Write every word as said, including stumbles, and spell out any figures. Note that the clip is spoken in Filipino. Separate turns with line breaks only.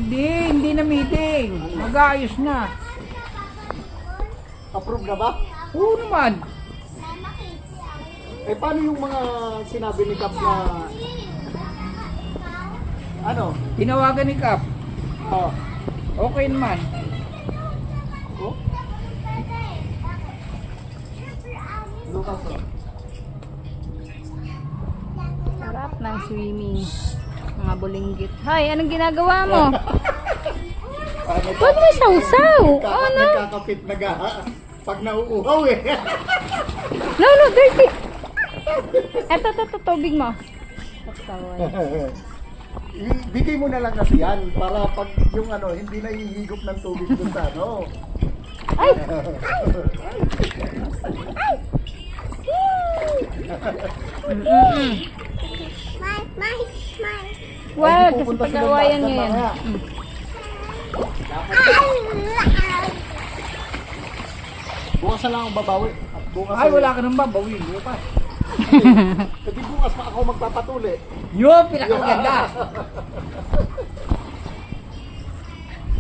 Hindi, hindi na meeting. Mag-aayos na.
Approve na ba?
Oo naman.
Eh paano yung mga sinabi ni Kap na ano?
Tinawagan ni Kap.
Oh.
Okay naman.
Oh? Lucas, oh.
Sarap ng swimming. Mga bulinggit. Hay, anong ginagawa mo?
Paano
Huwag mo sausaw.
Nagka-
Ano?
Nagkakapit na ga pag nauuhaw eh.
No, no, dirty. Eto, eto, eto, tubig mo. Pagtawad.
I- Bigay mo na lang kasi yan para pag yung ano, hindi na hihigop ng tubig doon sa ano.
Ay! Mm-mm. Wag, kasi
Pupunta silang
pag-awayan nyo
dagat
yan.
mamaya.
Mm.
Bukas na lang ang babawi. At bukas
Ay,
eh,
wala ka nang babawin. Bukas.
Kasi bukas pa ako magpapatuli.
Yun, pinakaganda.